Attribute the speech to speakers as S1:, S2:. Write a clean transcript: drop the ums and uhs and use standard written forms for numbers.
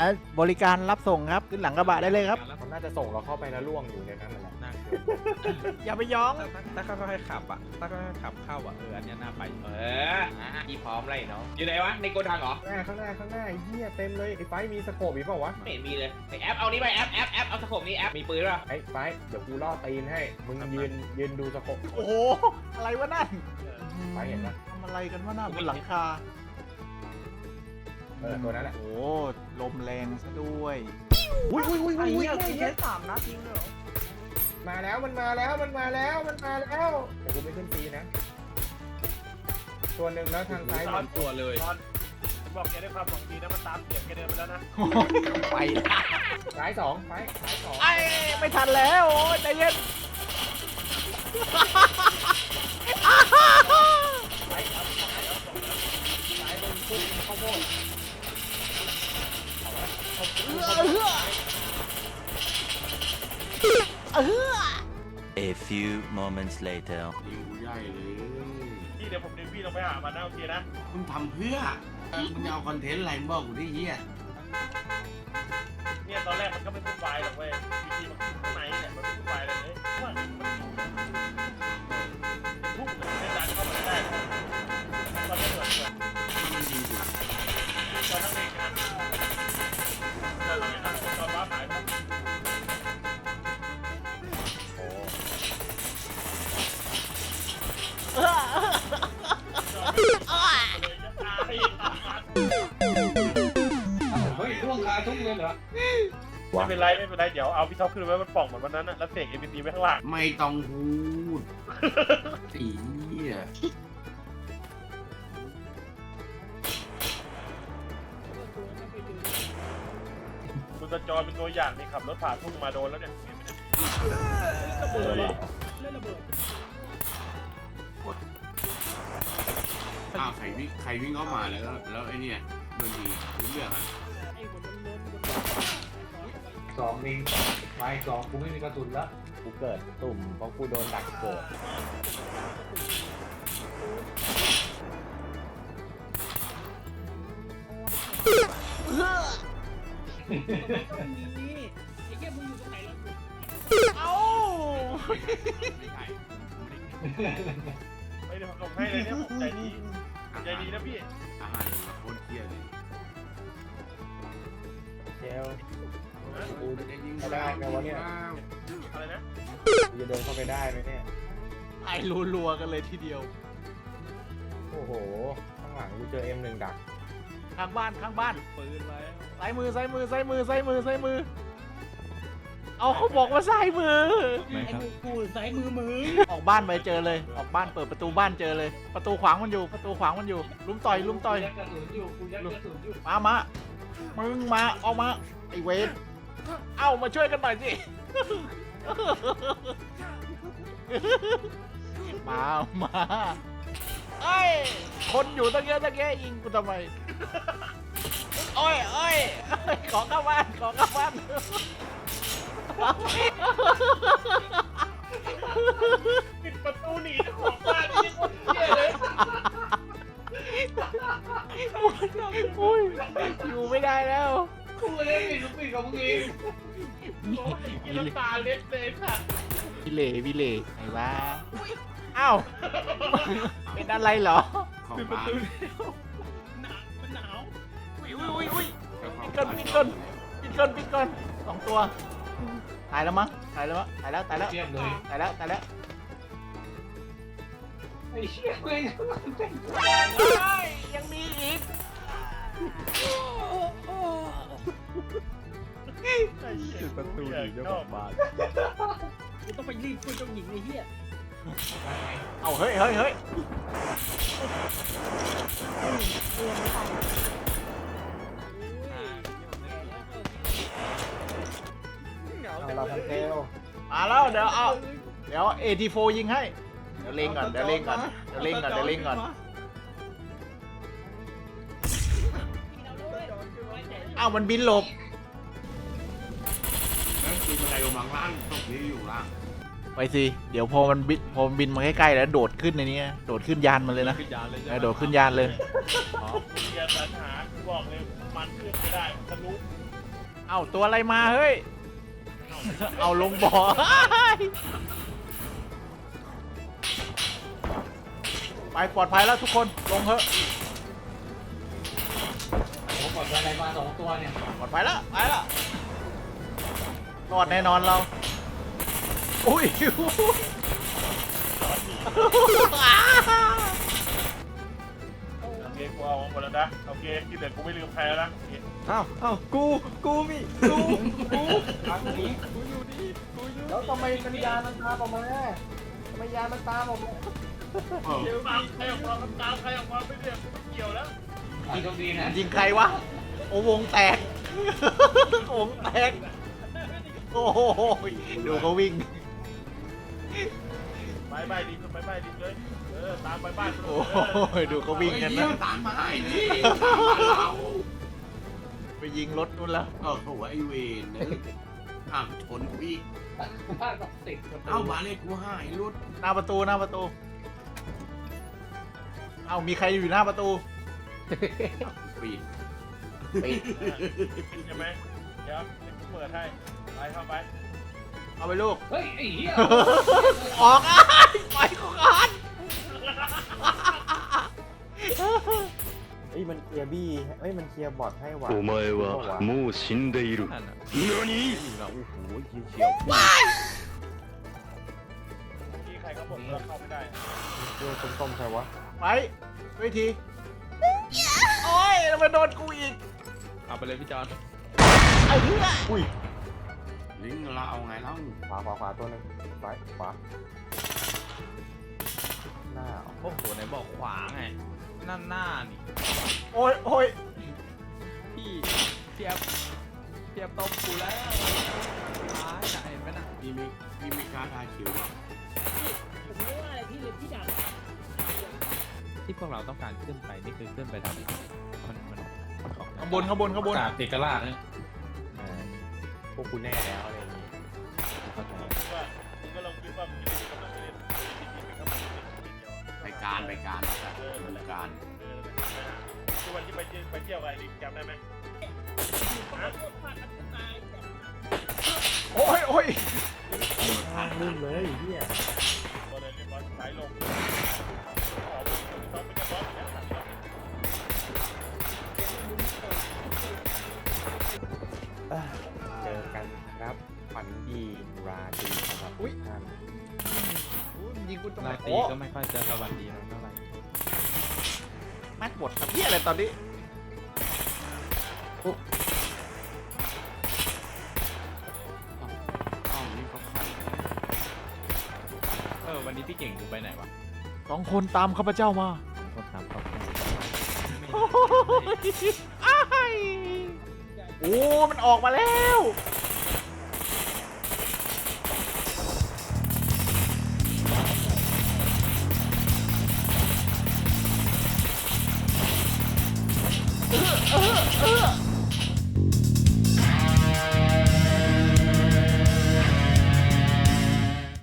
S1: บริการรับส่งครับขึ้นหลังกระบะได้เลยครับ
S2: เขาน่าจะส่งเราเข้าไปแล้วล่วงอยู่ในนั้นนั่นแหละ
S3: น่ากลัว
S1: อย่าไปย้อง
S3: ถ้าค่อยๆขับอ่ะถ้าค่อยๆขับเข้าอ่ะอันเนี้ยน่าไป
S4: พี่พร้อมไรเนาะอยู่ไหนวะในโกดังเหรอ
S2: ข้างหน้าไอ้เหี้ยเต็มเลยไอ้ไฟมีสโคปอีกเปล่าวะ
S4: ไม่เห็นมีเลยไอแอปเอานี้ไปแอปเอาสโคปนี้แอปมีปืนป่ะ
S2: ไอ้ไฟเดี๋ยวกูล่อตีนให้มึงยืนดูสโคป
S1: โอ้โหอะไรวะนั่น
S2: ไฟเห็นปะ
S1: ทำอะไรกันวะน่ะบนหลังคา
S2: ตัวนั้นแหละ
S1: โอ้ลมแรงซะด้วย
S2: อุ้ย
S5: ไอ้เหี้ยแค่3 นัดยิงเลยเหรอ
S2: มาแล้วมันมาแล้วเดี๋ยวกูไม่ขึ้นตีนะตัวหนึ่งแล้วทางซ้าย
S3: ซ่อนตัวเลย
S5: ฉันบอกแกด้วยความหวังดีนะมันตามเสียงแกเดินไปแล้วนะ
S1: ไป
S2: ซ้ายสองซ้ายสอง
S1: ไอ้ไม่ทันแล้วโอ้ยใจเย็น
S2: ซ้ายบนพุ่งข้าวโพด
S6: A few moments later.
S7: ยิงกูใหญ่เลย
S5: พี่เดี๋ยวผมดึงพี่ลงไปหามันนะโอเคนะ
S7: มึงทำเพื่อมึงจะเอาคอนเทนต์อะไรมึงบอกกูที่เหี้ย
S5: เนี่ยตอนแรกมันก็ไม่พูดไฟหรอกเว้ยวิธีมันข้างในเนี่ยมันไม่พูดไฟเลยว่ามันพุ่งเลยไม่ดันเข้ามาได้ตอนนี้เหมือน
S7: มันยิงกู
S5: ตอนนั้นเองนะตอนนั้นตอนว้าหายไป
S2: เฮ้ยล่วงคาทุ่งเลยเหรอ
S5: ไม่เป็นไรเดี๋ยวเอาพี่ท็อปขึ้นไว้บนปล่องเหมือนวันนั้นนะแล้วเสก NPC ไว้ข้างล่าง
S7: ไม่ต้องพูดไอ้เหี้ย
S5: คุณตาจอยเป็นตัวอย่างนี่ขับรถผ่านทุ่งมาโดนแล้วเนี่ย
S7: อ้าวใครวิ่งเข้ามาแล้วไอ้เนี่ยโดนยิงรู้เรื่องอ่ะ
S2: สองลิงไม้สองกูไม่มีกระสุนแล้วกูเกิดตุ่มเพราะกูโดนดักเกิด
S1: เอ้า
S7: ไม่ใช่
S5: ไม่ได้ผมให้เลยเนี่ยผมใจดีนะพี่
S7: อาหารโคตรเหี้ยเลย
S2: เจล
S7: กูจะยิง
S2: ได้ไงวะเนี่ย
S5: อะไรนะ
S2: กูจะเดินเข้าไปได้ไหมเนี่ย
S1: ไอ้รัวๆกันเลยทีเดียว
S2: โอ้โหข้างหลังกูเจอ M1 ดัก
S1: ข้างบ้าน
S3: ปืนไว้
S1: ซ้ายมือเอาเขาบอกว่าซ้ายมือ
S3: ไม่ครับ
S1: ออกบ้านไปเจอเลยออกบ้านเปิดประตูบ้านเจอเลย ประตูขวางมันอยู่ลุมต่อยมามึงมาออกมาไอเวนเอ้ามาช่วยกันหน่อยสิมาเอ้ยคนอยู่ตั้งเยอะยิงกูทำไมโอ้ยขอเข้าบ้าน
S5: ปิดประตูหนีเจ้าของบ้านนี่คนเหี้ยเลย
S1: อุ้ยอยู่ไม่ได้แล้ว
S5: กูเลยปิดกับมึงเองกินน้ำตาเล็ดเลยค่ะ
S1: พี่เล่ไหนวะอ้าวเป็นอะไรเหรอ
S7: ของบ้าน
S1: อุ้ยปิดก่อน2 ตัวตายแล้วมั้งตายแล้ว
S2: เทียบเลย
S1: ตายแล้ว
S2: ไอ้เชี่ยเว้ย
S1: ยังมีอีก
S5: ปิดประตูหนีเจ้าของบ้าน
S8: กูต้องไปรีบช่วยเจ้าหญิงไอ้เหี้ย
S1: เอาเฮ้ย
S2: เราทันเทล
S1: มาแล้วเดี๋ยว AT4 ยิงให้เดี๋ยวเล็งก่อนอ้าวมันบินหลบ
S7: แล้วคือบันไดลงมาล่างตกนี้อยู่ล่าง
S1: ไปสิเดี๋ยวพอมันบินมาใกล้ๆแล้วโดดขึ้นในนี้โดดขึ้นยานมันเลยนะ
S3: ขึ้นยานเลยใช่ไหม
S1: โดดขึ้นยานเลย
S5: เกียร์ปัญหากูบอกเลยมันขึ้นไม่ได้ทะลุ
S1: เอ้าตัวอะไรมาเฮ้ย เอาลงบ่อ ไปปลอดภัยแล้วทุกคนลงเถอะ
S8: ผมกดอะไรมา2ตัวเนี่ย
S1: ปลอดภัยแล้วไปแล้วรอดแน่นอนเราอุ้ย
S5: โอเคกูเอาหมดแล้วนะโอเคที่เหลือกูไม่ลืมใครแล้วนะโอเค
S3: อ้าวกูมีกู
S2: ทางนี้แล้วทำไมมันยานมันตามออกมาทำไมยานมันตามออกมา
S7: เออ
S5: เดี๋ยวตามใครออกมาตามใครออกมาไม่เรียกกูไม่เกี่ยวแล้ว
S8: อีกตรงนี้นะ
S1: ยิงใครวะโอ้วงแตก วงแตกโอ้โหดูเขาวิ่ง
S5: ไปดิขึ้นไปดิเลยตามไปบ้าน
S1: โอ้ยดูเขาวิ่งกัน
S7: เฮ้ย
S1: นะ
S7: เหี้ยตามมาไอ้นี่ตามมาเรา
S1: ไปยิงรถนู่นแล้ว
S7: เออโหไอ้เวนนะอ้าวชนกูอีก
S8: บ้านต้องติดประตู
S7: เอ้ามาเลยกูหายรุด
S1: หน้าประตูเอ้ามีใครอยู่หน้าประตู
S7: ปีน
S5: ใช่ไหมเดี๋ยวเปิดให้ไปเข้าไป
S1: เอาไปลูก
S8: เฮ้ยไอ้เหี้ย
S1: ออกอ่ะไปของอ่าน
S2: เฮ้ยมันเคลียร์บี้เฮ้ยมันเคลียร์บอทให้ว่ะ
S6: お前はもう死んでいる
S3: นั่นน่ะ
S6: 何
S3: เราโอ้โหเฉียว
S5: ที่ใครเขาบอกเราเข้าไม่ได้
S2: เรื่องต้มๆใครวะ
S1: ไปเวทีโอ้ยแล้วมาโดนกูอีก
S3: เอาไปเลยพี่จอน
S1: ไอ้เหี้ย
S2: อุ้ย
S7: ลิงเราเอาไงเล่า
S2: ขวาตัวหนึงซ้ายขวาหน้า
S3: โอ้โหไหนบอกขวาไงนั่นหน้านี่
S1: โอ้ยโอ้ย
S3: พี่เทียบต้มกูแล้วตายน่ะเห็นไหมน่ะ
S7: พี่ไม่กล้าทาคิวหรอก
S8: ผมรู้ว่าอะไรพี่เลยพี่ดับ
S3: ที่พวกเราต้องการขึ้นไปนี่คือขึ้นไปทำไมมันของ
S1: ข้างบนข้างบนข้างบน
S8: เอกราชเนี่ย
S2: พวกกูแน่แล้วอะไรอย่างงี้
S3: เข้าใจ
S5: ว่ามึงก็ลองคิดว่ามึงจะได้กำลังเล่นจริงๆเป็นกำลังเล่นเดียว
S7: ไปการไปการการ
S5: คือวันที่ไปเที่ยวกับไอ้ลิงจำได้ไหม
S1: โอ้ยโอ้ย
S2: ทางลื่นเลยเฮีย
S5: พอเลยเรียบร้อยสายลงขอต้องเป็นบอสเนี่ย
S2: เจอกันครับฝันดีราตรีสำหรับทุกท่าน
S1: อุ้ยยิงกูตรงไหน
S3: ราตรี
S1: โอ้
S3: ก็ไม่ค่อยจะสวัสดีเราเท่าไหร่
S1: แม็กหมดกับเหี้ยอะไรตอนนี้
S7: อ้าวนี่ก็ใคร
S3: วันนี้พี่เก่งกูไปไหนวะ
S1: สองคนตามข้าพเจ้ามา
S3: คนตามเขาไป
S1: โอ้ยอ้ายโอ้มันออกมาแล้ว